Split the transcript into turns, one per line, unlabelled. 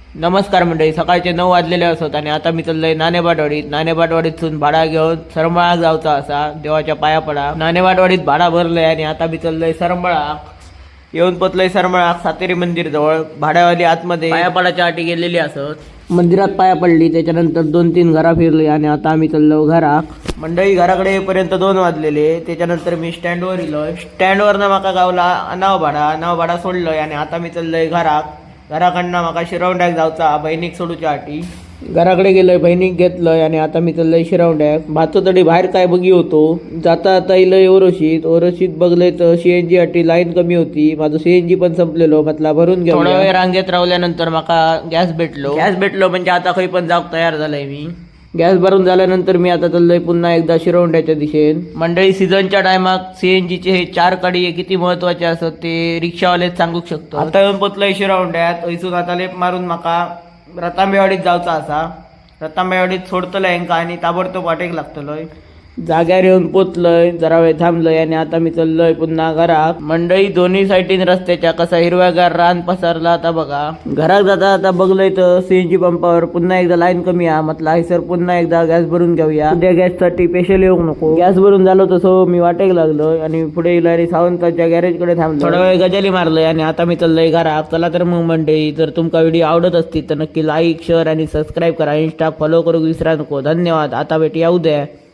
नमस्कार मंडळी, सकाळचे 9 वाजलेले असत आणि आता मी चाललोय नाणेबाटवाडीतून भाडा घेऊन सरंबळाक जाऊचा असा. देवाच्या पाया पडा. नाणेबाटवाडीत भाडा भरलंय आणि आता मी चाललोय सरंबळाक. येऊन पोचलोय सरंबळाक सातेरी मंदिर जवळ. भाड्यावाली आतमध्ये पाया पडाच्या आटी गेलेली असत. मंदिरात पाया पडली, त्याच्यानंतर 2-3 घरा फिरली आणि आता आम्ही चाललो घराक. मंडळी घराकडे येईपर्यंत 2 वाजलेले. त्याच्यानंतर मी स्टँडवर इलोय. स्टँडवरनं माका गावला नाव भाडा सोडलोय आणि आता मी चाललोय घराक. घराकडनं माका शिरवंड्याक जाऊचा बहिणीक सोडूच्या आटी. घराकडे गेलोय, बहिणीक घेतलंय आणि आता मी चाललोय शिरवंड्याक. भातो तडी बाहेर काय बघी होतो. जाता आता इलय ओरोशीत बघलंय तर सीएनजी आटी लाईन कमी होती. माझं सीएनजी पण संपलेलो, म्हटला भरून घ्या. थोडा वेळ रांगेत राहिल्यानंतर माका गॅस भेटलो म्हणजे आता काही पण जाऊक तयार झालाय मी. गॅस भरून झाल्यानंतर मी आता चाललोय पुन्हा एकदा शिरवंड्याच्या दिशेन. मंडळी, सीझनच्या टायमात सीएनजीचे हे 4 कडी किती महत्वाचे असत ते रिक्षावालेच सांगू शकतो. आता येऊन पोचलोय शिरवंड्यात. इथून आता लेप मारून माका रतांबेवाडीत जाऊचा असा. रतांबेवाडीत सोडतलंय यांका आणि ताबडतोब वाटेक लागतलोय. जाग्यावर येऊन पोचलोय, जरा वेळ थांबलोय आणि आता मी चाललोय पुन्हा घरात. मंडळी, दोन्ही साईडीन रस्त्याच्या कसा हिरव्यागार रान पसरला आता बघा. घरात जाता आता बघलोय तर सीएनजी पंपावर पुन्हा एकदा लाईन कमी आहे. म्हटलं आहे सर, पुन्हा एकदा गॅस भरून घेऊया. उद्या गॅससाठी स्पेशल येऊ नको. गॅस भरून झालो तसं मी वाटेक लागलोय आणि पुढे इलारी सावंताच्या गॅरेजकडे थांबलो. थोडा वेळ गजाली मारलोय आणि आता मी चाललोय घरात. चला तर मग मंडळी, जर तुमका व्हिडिओ आवडत असतील तर नक्की लाईक, शेअर आणि सबस्क्राईब करा. इंस्टा फॉलो करू विसरा नको. धन्यवाद. आता भेटूया उद्या.